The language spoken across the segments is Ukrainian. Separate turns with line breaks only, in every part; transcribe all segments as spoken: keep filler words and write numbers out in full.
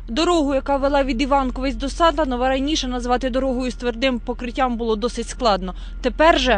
Дорогу, яка вела від Іванковець до Сатанова, раніше назвати дорогою з твердим покриттям було досить складно. Тепер же...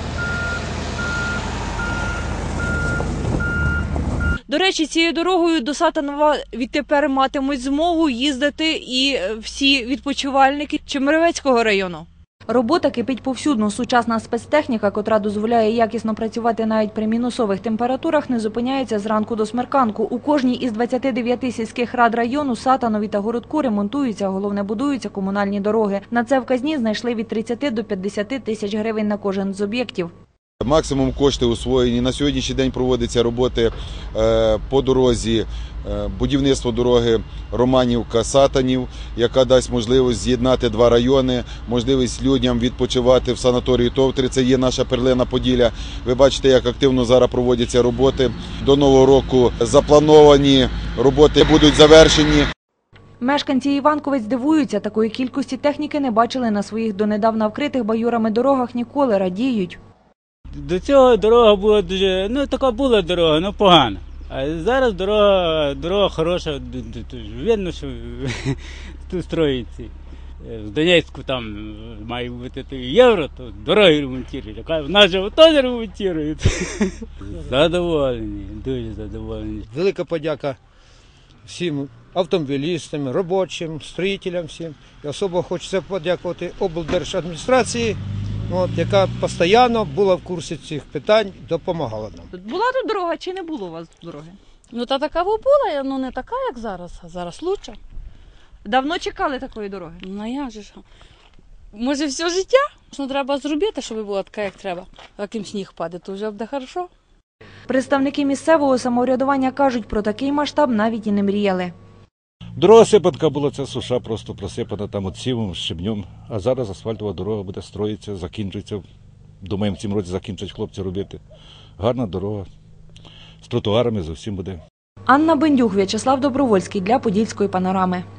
До речі, цією дорогою до Сатанова відтепер матимуть змогу їздити і всі відпочивальники Чемеровецького району. Робота кипить повсюдно. Сучасна спецтехніка, котра дозволяє якісно працювати навіть при мінусових температурах, не зупиняється зранку до смерканку. У кожній із двадцяти дев'яти сільських рад району, Сатанові та Городку ремонтуються, а головне будуються комунальні дороги. На це в казні знайшли від тридцяти до п'ятдесяти тисяч гривень на кожен з об'єктів.
Максимум коштів усвоєні. На сьогоднішній день проводяться роботи по дорозі, будівництво дороги Романівка-Сатанів, яка дасть можливість з'єднати два райони, можливість людям відпочивати в санаторії Товтри. Це є наша перлина Поділля. Ви бачите, як активно зараз проводяться роботи. До Нового року заплановані роботи будуть завершені.
Мешканці Іванковець дивуються, такої кількості техніки не бачили на своїх донедавна вкритих байурами дорогах ніколи, радіють.
До цього дорога була дуже, ну така була дорога, ну погана. А зараз дорога, дорога хороша, видно, що тут строїться. В Донецьку там має бути євро, то дороги ремонтують. В нас же теж ремонтують. Задоволені, дуже задоволені.
Велика подяка всім автомобілістам, робочим, строїтелям всім. І особливо хочеться подякувати облдержадміністрації, От, яка постійно була в курсі цих питань, допомагала нам.
Була тут дорога чи не було у вас дороги?
Ну, та така була, ну не така, як зараз, а зараз краще.
Давно чекали такої дороги?
Ну, як же ж? Може, все життя? Ну, треба зробити, щоб була така, як треба. А яким сніг падає, то вже буде добре.
Представники місцевого самоврядування кажуть, про такий масштаб навіть і не мріяли.
Дорога сипанка була, це суша просто просипана там от сівом, щебнем. А зараз асфальтова дорога буде строїтися, закінчується. Думаємо, в цьому році закінчать хлопці робити. Гарна дорога, з тротуарами зовсім буде.
Анна Бендюк, В'ячеслав Добровольський для Подільської панорами.